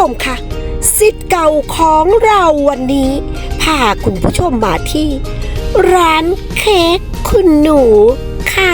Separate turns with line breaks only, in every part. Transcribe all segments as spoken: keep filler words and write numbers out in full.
มค่ะศิษย์เก่าของเราวันนี้พาคุณผู้ชมมาที่ร้านเค้กคุณหนูค่ะ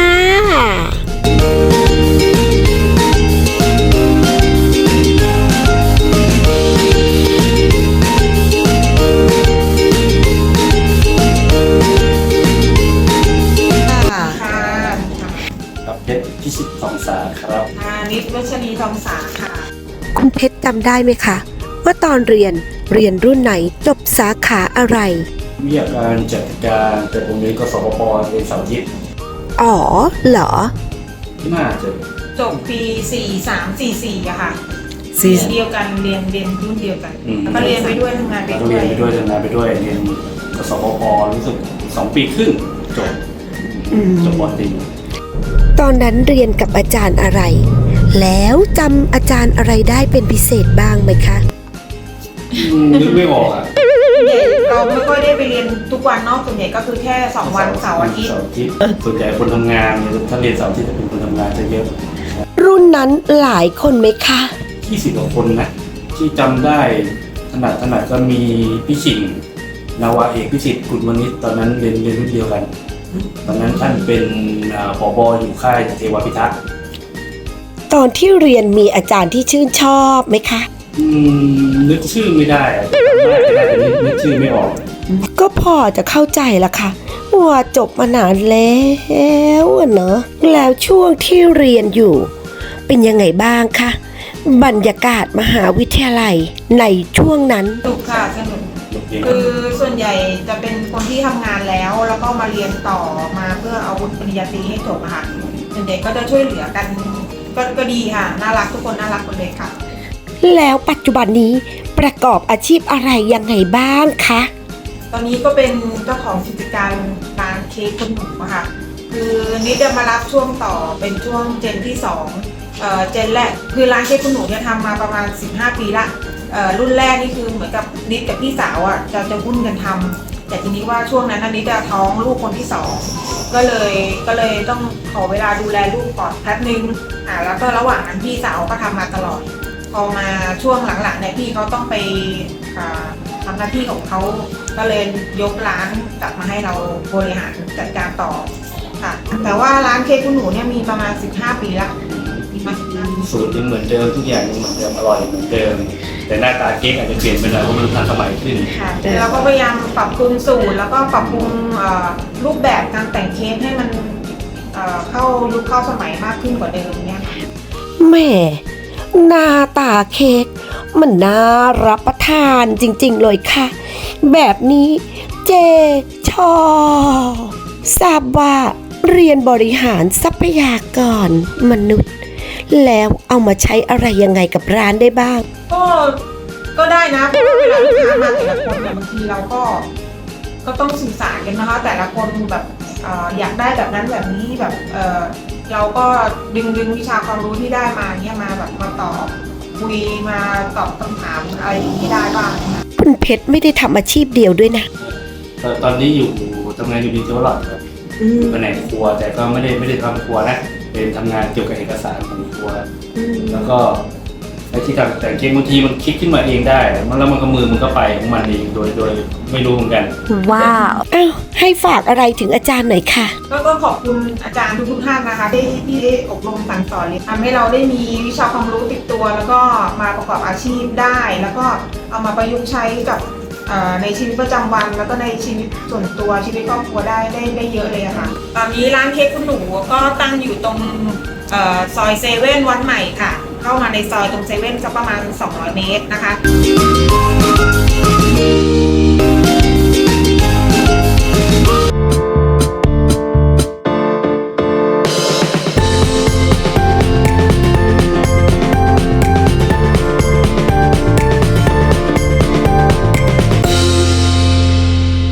เพชรพิชิตทองสาครับ
นิดวัชรีทองสาค่ะ
คุณเพชรจำได้ไหมคะว่าตอนเรียนเรียนรุ่นไหนจบสาขาอะไร
วิทยาการจัดการแต่ผมเรียนกสปปเรียนเสาร์อาทิตย์
อ๋อเหรอ
น่าจะ
จบปีสี่สามสี่สี่อะค่ะปีเดียวกันเรียนเรียนรุ่นเดียวกันแล้วก็เรียนไปด้วยทำงานไปด้วย
เรียนไปด้วยทำงานไปด้วยเรียนกสปปรู้สึกสองปีครึ่งจบจบปตรี
ตอนนั้นเรียนกับอาจารย์อะไรแล้วจำอาจารย์อะไรได้เป็นพิเศษบ้างไหมคะ
นึกไม่ออกอ่ะ
เราไม่ค่อยได้ไปเรียนทุกวันนอกส่วนใหญ่ก็คือแค่สองวันเสาร์อาทิตย์
ส่วนใหญ่คนทำงานถ้าเรียนเสาร์อาทิตย์จะเป็นคนทำงานจะเยอะ
รุ่นนั้นหลายคนไหมคะ
ยี่สิบกว่าคนนะที่จำได้ขนาดขนาดก็มีพี่ชิงนาวาเอกพิสิทธิ์กุลวณิชตอนนั้นเรียนเรียนรุ่นเดียวกันตอนนั้นท่านเป็นผบ.อยู่ค่ายเทวพิทักษ์
ตอนที่เรียนมีอาจารย์ที่ชื่นชอบไหมคะ
อืมนึกชื่อไม่ได้นึกชื่อไม่ออก
ก็พอจะเข้าใจละค่ะว่าจบมานานแล้วเนอะแล้วช่วงที่เรียนอยู่เป็นยังไงบ้างคะบรรยากาศมหาวิทยาลัยในช่วงนั้น
สนุกค่ะสนุกคือส่วนใหญ่จะเป็นคนที่ทำงานแล้วแล้วก็มาเรียนต่อมาเพื่อเอาวุฒิปริญญาตรีให้จบค่ะส่วนใหญ่ก็จะช่วยเหลือกันก็ก็ดีค่ะน่ารักทุกคนน่ารักหมดเลยค่ะ
แล้วปัจจุบันนี้ประกอบอาชีพอะไรยังไงบ้างคะ
ตอนนี้ก็เป็นเจ้าของกิจการร้านเค้กคุณหนูค่ะคือนิดจะมารับช่วงต่อเป็นช่วงเจนที่สองเอ่อเจนแรกคือร้านเค้กคุณหนูเนี่ยทำมาประมาณสิบห้าปีละเอ่อรุ่นแรกนี่คือเหมือนกับนิดกับพี่สาวอ่ะจะจะหุ้นกันทำแต่ทีนี้ว่าช่วงนั้นนิดจะท้องลูกคนที่สองก็เลยก็เลยต้องขอเวลาดูแลลูกก่อนแป๊บนึงอ่าแล้วก็ระหว่างนั้นพี่สาวก็ทำมาตลอดพอมาช่วงหลังๆเนี่ยพี่เขาต้องไปทำหน้าที่ของเขาก็เลยยกร้านกลับมาให้เราบริหารจัดการต่อค่ะแต่ว่าร้านเค้กคุณหนูเนี่ยมีประมาณสิบห้าปีละ
สูตรยังเหมือนเดิมทุกอย่างยังเหมือนเดิมอร่อยเหมือนเดิมแต่หน้าตาเค้กอาจจะเปลี่ยนไปหน่อยเพราะมันทันสมัยขึ้น
ค่ะเราก็พยายามปรับปรุงสูตรแล้วก็ปรับปรุงรูปแบบการแต่งเค้กให้มันเข้ายุคเข้าสมัยมากขึ้นกว่าเดิมเนี่ย
แม่หน้าตาเค้กมันน่ารับประทานจริงๆเลยค่ะแบบนี้เจชอบทราบว่าเรียนบริหารทรัพยากรมนุษย์แล้วเอามาใช้อะไรยังไงกับร้านได้บ้าง
ก็ก็ได้นะเพราะเวลาลูกค้ามาแต่ละคนเนี่ยบางทีเราก็ก็ต้องสื่อสารกันนะคะแต่ละคนแบบอยากได้แบบนั้นแบบนี้แบบเออเราก็ดึงดึงวิชาความรู้ที่ได้มาเนี่ยมาแบบมาตอบคุยมาตอบคำถามอะไรที่ได้บ้าง
คุณเพชรไม่ได้ทำอาชีพเดียวด้วยนะ
ตอนนี้อยู่ทำงานอยู่ดีเจอร์หลอดครับแผนกครัวแต่ก็ไม่ได้ไม่ได้ทำครัวนะเป็นทำงานเกี่ยวกับเอกสารของครัวแล้วก็ไอ้ที่ทำแต่งเค้กบางทีมันคิดขึ้นมาเองได้มันแล้วมันก็มือมันก็ไปของมันเองโดยโดยไม่รู้เหมือนกัน
ว้าวอ้าวให้ฝากอะไรถึงอาจารย์หน่อยค่ะ
ก็ขอบคุณอาจารย์ทุกท่านนะคะที่ที่ได้อบรมสั่งสอนทำให้เราได้มีวิชาความรู้ติดตัวแล้วก็มาประกอบอาชีพได้แล้วก็เอามาประยุกต์ใช้กับในชีวิตประจำวันแล้วก็ในชีวิตส่วนตัวชีวิตครอบครัวได้ได้ได้เยอะเลยค่ะตอนนี้ร้านเค้กคุณหนูก็ตั้งอยู่ตรงซอยเซเว่นวัดใหม่ค่ะเข้ามาในซอยตรงเซเว่นสักประมาณสองร้อยเมตรนะคะ